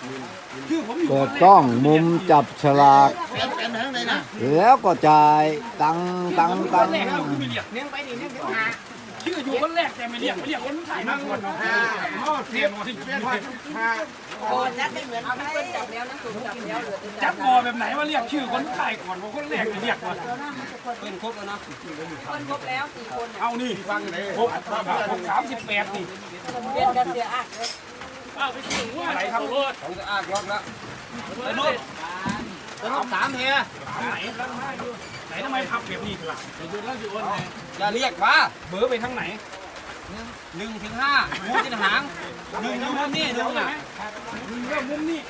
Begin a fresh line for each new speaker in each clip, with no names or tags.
ชื่อผมอยู่
เปิดกล้องมุมจับฉลากแล้วก็จ่ายตัง
คนแรกแล้วคือไม่เรียกเลี้ยงไปดิเลี้ยงไปหาชื่ออยู่คนแรกแต่ไม่เรียกคนถ่ายนั่งคนเสียบ
โอ้จับไม่เหมือนเอาไปจับแล้วนะสูงจับแล้วเหลือ
จับงอแบบไหนว่าเรียกชื่อคนถ่ายก่อนว่าคนแรกจะเรียกว่า
เป็นครบแล้วนะคนครบแล้ว4 คน
เอานี่ฟังเลย38นี่
เรียนกันเสียอ่ะ
เอาไปถึงว่าอะไรครับรถ
ของจะอ้างรอบแล้วไปนู่นไปรอบ3เฮีย
ไหนทำไมพับแบบนี้ล่ะอยู่แล้วอยู่อ้นเลย
อย่าเรียกว่า
เบอร์ไปทางไหน
1 ถึง 5มูจินหาง1อยู่มุมนี้1อ่ะ
เรื่องมุมนี้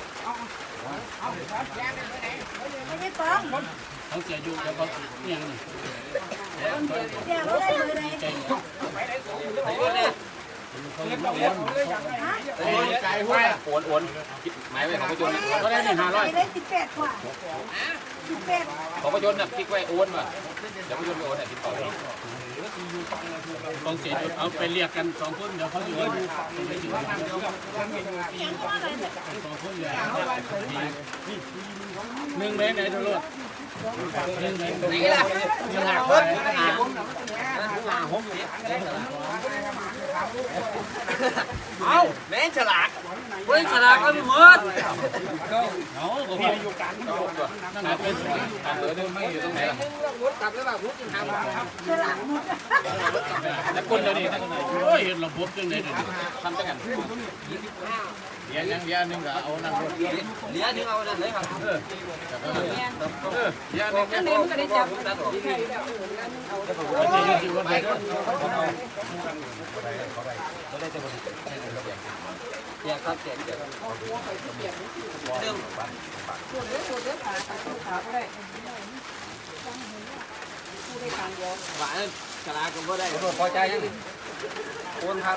ไม่ได้ฟ้อง
เขาเสียอยู่แล้วเขาเนี่ยนี่
เดี๋ยวเราได้มือไหน
ใจหัวโอนหมายไว้ของประจุก็ได้นี่500
ได้18 กว่า18
ของประจุน่ะคลิกไว้โอนว่ะเดี๋ยวประจุไปโอนเนี่ยติดต่อต้องเสียจุดเอาไปเรียกกัน2 คนเดี๋ยวเขาอยู่กัน2 คนเลย1เมตรไหนทุกรถนี่ล่ะยังหาคนเอาแม่ฉลากเฮ้ยฉลากก็ไม่หมดเอาก็พี่อยู่กันนั่นแหละเป็นการเบอร์นึงไม่อยู่ตรงไหนล่ะกลับแล้วแบบมุดกินหางแล้วคนเดียวนี่โอ้ยเราพบจังเลยทำจังกันเลี้ยงนึงก็เอานั่นเลี้ยงนึงเอานั่นเลยครับเลี้ยงนึงก็ได้จับเนี่ยครับเจ็บเรื่องหวานฉลาดก็ไม่ได้พอใจยังโอนครับ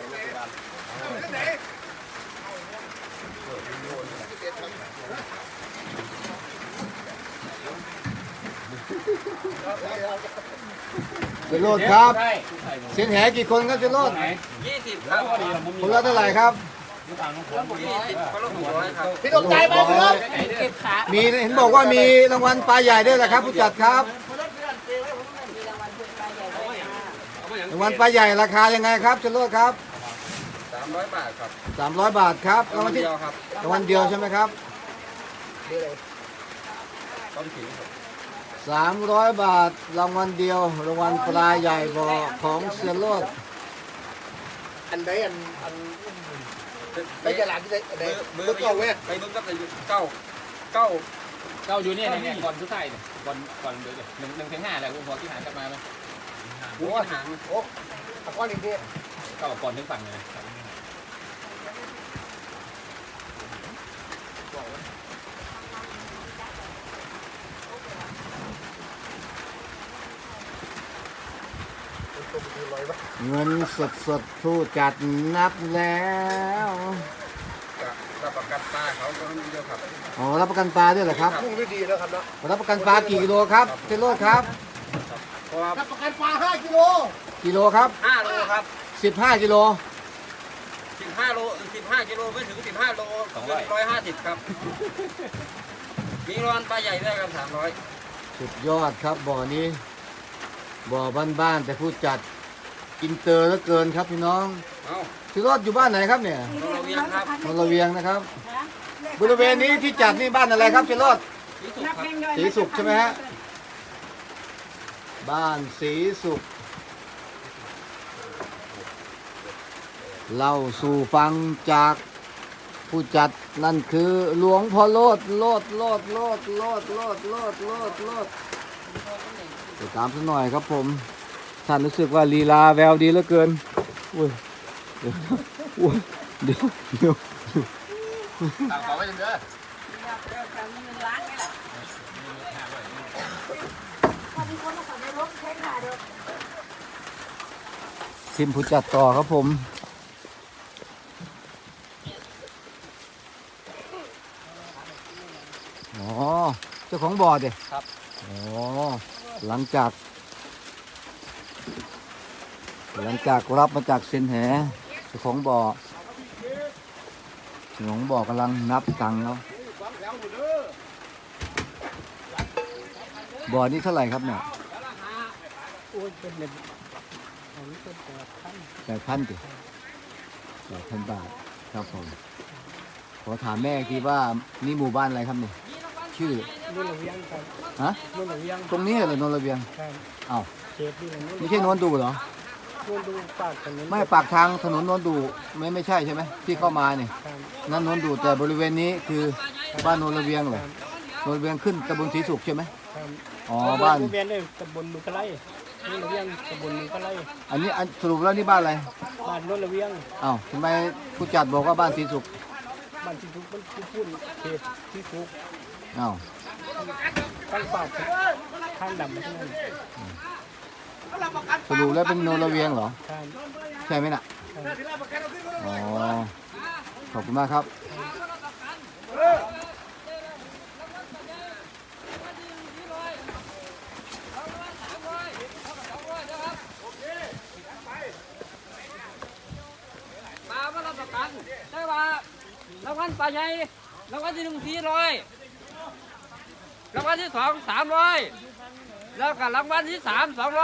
จะโลดครับเส้นแหกี่คนครับจะโลด
20ครับ
คนละเท่าไหร่ครับ
พี่ตกใจไหมครับ
มีเห็นบอกว่ามีรางวัลปลาใหญ่ด้วยแหละครับผู้จัดครับรางวัลปลาใหญ่ราคายังไงครับจะโลดครับ
300 บาทครับ
300 บาทครับรางวัลที่รางวัลเดียวใช่ไหมครับ300 บาทรางวัลเดียวรางวัลปลาใหญ่บ่อของเสียโลด
อันใดอันไปตลาดที่ไหนเบอร์เก้าเว้ย
ไปเบอร์เก้าอยู่เนี่ยก่อนสุดท้ายเนี่ยก่อนเดี๋ยว1 ถึง 5แหละคุณพอที่หางกลับมาไหม
โอ้หางโอ้ตะก้อนอีกที
ก็ก่อนถึงฝั่งเลย
เงินสดผู้จัดนับแล้ว
รับประกันปลาเขาก็มีเยอะครับ
อ๋อรับประกันปลาด้วยเหรอครับ
พุ่งได้ดีแล้วครับเนาะ
รับประกันปลากี่กิโลครับเจโรดครับ
รับประกันปลา5 กิโล
กิโลครับ
5 โลครับ
15 กิโล
15 โล15 กิโลไม่ถึง15 โล150ครับมีรอนปลาใหญ่ด้วยครับ300
สุดยอดครับบ่อนี้บ่อบ้านๆแต่ผู้จัดอินเตอร์เหลือเกินครับพี่น้องพี่รอดอยู่บ้านไหนครับเนี่ย
นนเวียงครับ
นนเวียงนะครับบริเวณนี้ที่จัดนี่บ้านอะไรครับพี่รอดศรีสุขใช่ไหมฮะบ้านศรีสุขเล่าสู่ฟังจากผู้จัดนั่นคือหลวงพ่อโลดไปตามสักหน่อยครับผมท่านรู้สึกว่าลีลาแววดีเหลือเกินอุ้ยเดี๋ยว
ต่างขอไว้จังเด้อ
ทีมผู้จัดต่อครับผมอ๋อเจ้าของบ่อดิ
ครับ
อ๋อหลังจากรับมาจากเซนแหเจ้าของบ่อหลวงบอกกำลังนับตังค์แล้วบ่อนี้เท่าไหร่ครับเนี่ย
โอ้ยเป็นเงินอันนี้เป็น
8,000
8,000
ดิ8,000 บาทครับผมขอถามแม่อีกทีว่านี่หมู่บ้านอะไรครับเนี่ยชื่อ
นู่นระเวียงครับ
ฮะ
นู่นระเวียง
ตรงนี้เหรอโนนระเบียง
ครับ
อ้าว
เขตนี่แหละนู่น
ไม่ใช่โนนดูเหรอ
นู่นดูปากถนน
ไม่ปากทางถนนโนนดูไม่ใช่ใช่ไหมที่เข้ามาเนี่ย
ครับ
นั่นโนนดูแต่บริเวณนี้คือบ้านโนนระเวียงเหรอโนนระเวียงขึ้นตำบลศรีสุขใช่ไหม
ครับ
อ๋อบ้าน
ระเวียงเนี่ยตำบลมือกะไลนู่นระเวียงตำบลมือกะไล
อันนี้สรุปแล้วนี่บ้านอะไร
บ้านนู่นระเวียง
อ้าวทำไมผู้จัดบอกว่าบ้านศรีสุข
บ้านที่ทุกมันพูดเขตที่ทุก
อ้าว
ตั้งปากทางดำที่นั่น
สรุปแล้วเป็นโนนระเวียงเหรอ
ครับ
ใช่ไหมน่ะอ๋อขอบคุณมากครับ
ปลามารับประกันได้ว่ารางวัลปลาใหญ่รางวัลที่1 400รางวัลที่2 300แล้วก็รางวัลที่3 200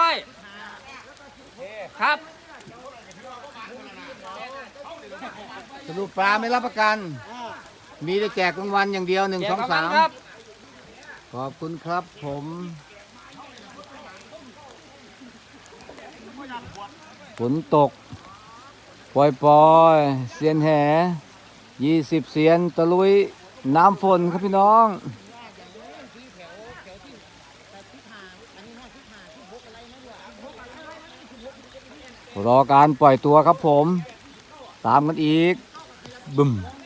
ครับ
สรุปปลาไม่รับประกัน มีแต่แจกรางวัลอย่างเดียว1 2
แจกรางวัลครับ
3ขอบคุณครับผมฝนตกปล่อยเสียนแห่20 เสียนตะลุยน้ำฝนครับพี่น้อง รอการปล่อยตัวครับผม ตามกันอีกบึ้ม